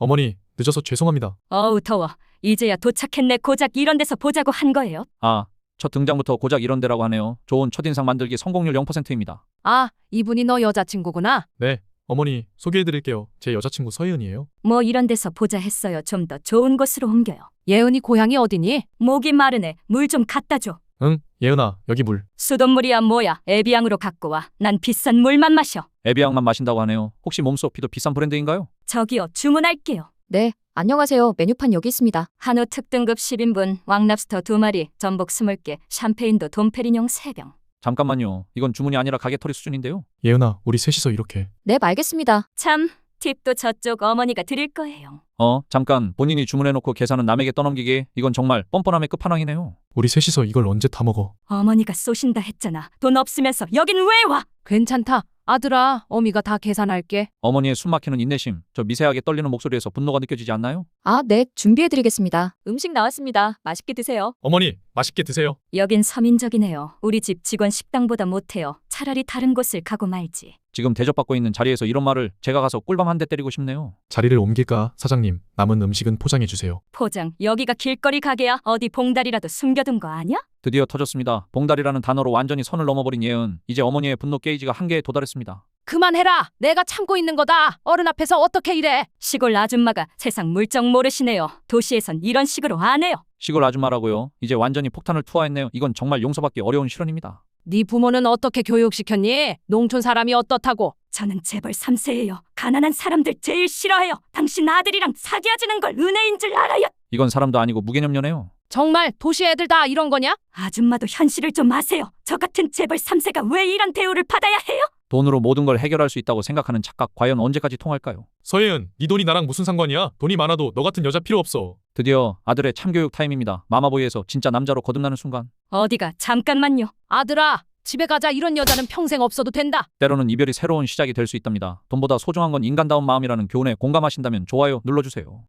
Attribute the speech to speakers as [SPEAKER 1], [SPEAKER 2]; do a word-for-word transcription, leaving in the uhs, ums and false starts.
[SPEAKER 1] 어머니, 늦어서 죄송합니다.
[SPEAKER 2] 어우 더워. 이제야 도착했네. 고작 이런 데서 보자고 한 거예요?
[SPEAKER 3] 아, 첫 등장부터 고작 이런 데라고 하네요. 좋은 첫인상 만들기 성공률 영 퍼센트입니다.
[SPEAKER 4] 아, 이분이 너 여자친구구나.
[SPEAKER 1] 네, 어머니 소개해드릴게요. 제 여자친구 서예은이에요.
[SPEAKER 2] 뭐 이런 데서 보자 했어요. 좀 더 좋은 곳으로 옮겨요.
[SPEAKER 4] 예은이 고향이 어디니?
[SPEAKER 2] 목이 마르네. 물 좀 갖다 줘.
[SPEAKER 1] 응, 예은아, 여기 물.
[SPEAKER 2] 수돗물이야 뭐야. 에비앙으로 갖고 와. 난 비싼 물만 마셔.
[SPEAKER 3] 에비앙만 마신다고 하네요. 혹시 몸소피도 비싼 브랜드인가요?
[SPEAKER 2] 저기요, 주문할게요.
[SPEAKER 5] 네, 안녕하세요. 메뉴판 여기 있습니다.
[SPEAKER 2] 한우 특등급 십 인분, 왕랍스터 두 마리, 전복 스물 개, 샴페인도 돈페리뇽 세 병.
[SPEAKER 3] 잠깐만요. 이건 주문이 아니라 가게털이 수준인데요.
[SPEAKER 1] 예은아, 우리 셋이서 이렇게.
[SPEAKER 5] 네, 알겠습니다.
[SPEAKER 2] 참, 팁도 저쪽 어머니가 드릴 거예요.
[SPEAKER 3] 어, 잠깐. 본인이 주문해놓고 계산은 남에게 떠넘기기. 이건 정말 뻔뻔함의 끝판왕이네요.
[SPEAKER 1] 우리 셋이서 이걸 언제 다 먹어?
[SPEAKER 2] 어머니가 쏘신다 했잖아. 돈 없으면서 여긴 왜 와?
[SPEAKER 4] 괜찮다. 아들아, 어미가 다 계산할게.
[SPEAKER 3] 어머니의 숨막히는 인내심, 저 미세하게 떨리는 목소리에서 분노가 느껴지지 않나요?
[SPEAKER 5] 아, 네, 준비해드리겠습니다.
[SPEAKER 2] 음식 나왔습니다. 맛있게 드세요.
[SPEAKER 1] 어머니, 맛있게 드세요.
[SPEAKER 2] 여긴 서민적이네요. 우리 집 직원 식당보다 못해요. 차라리 다른 곳을 가고 말지.
[SPEAKER 3] 지금 대접받고 있는 자리에서 이런 말을 제가 가서 꿀밤 한 대 때리고 싶네요.
[SPEAKER 1] 자리를 옮길까, 사장님? 남은 음식은 포장해주세요.
[SPEAKER 2] 포장, 여기가 길거리 가게야? 어디 봉다리라도 숨겨둔 거 아니야?
[SPEAKER 3] 드디어 터졌습니다. 봉다리라는 단어로 완전히 선을 넘어버린 예은. 이제 어머니의 분노 게이지가 한계에 도달했습니다.
[SPEAKER 4] 그만해라. 내가 참고 있는 거다. 어른 앞에서 어떻게 이래.
[SPEAKER 2] 시골 아줌마가 세상 물정 모르시네요. 도시에선 이런 식으로 안 해요.
[SPEAKER 3] 시골 아줌마라고요? 이제 완전히 폭탄을 투하했네요. 이건 정말 용서받기 어려운 실언입니다.
[SPEAKER 4] 네 부모는 어떻게 교육시켰니? 농촌 사람이 어떻다고?
[SPEAKER 2] 저는 재벌 삼 세예요. 가난한 사람들 제일 싫어해요. 당신 아들이랑 사귀어지는 걸 은혜인 줄 알아요.
[SPEAKER 3] 이건 사람도 아니고 무개념녀네요.
[SPEAKER 4] 정말 도시 애들 다 이런 거냐?
[SPEAKER 2] 아줌마도 현실을 좀 아세요. 저 같은 재벌 삼 세가 왜 이런 대우를 받아야 해요?
[SPEAKER 3] 돈으로 모든 걸 해결할 수 있다고 생각하는 착각 과연 언제까지 통할까요?
[SPEAKER 1] 서예은, 네 돈이 나랑 무슨 상관이야? 돈이 많아도 너 같은 여자 필요 없어.
[SPEAKER 3] 드디어 아들의 참교육 타임입니다. 마마보이에서 진짜 남자로 거듭나는 순간.
[SPEAKER 2] 어디가? 잠깐만요.
[SPEAKER 4] 아들아, 집에 가자. 이런 여자는 평생 없어도 된다.
[SPEAKER 3] 때로는 이별이 새로운 시작이 될 수 있답니다. 돈보다 소중한 건 인간다운 마음이라는 교훈에 공감하신다면 좋아요 눌러주세요.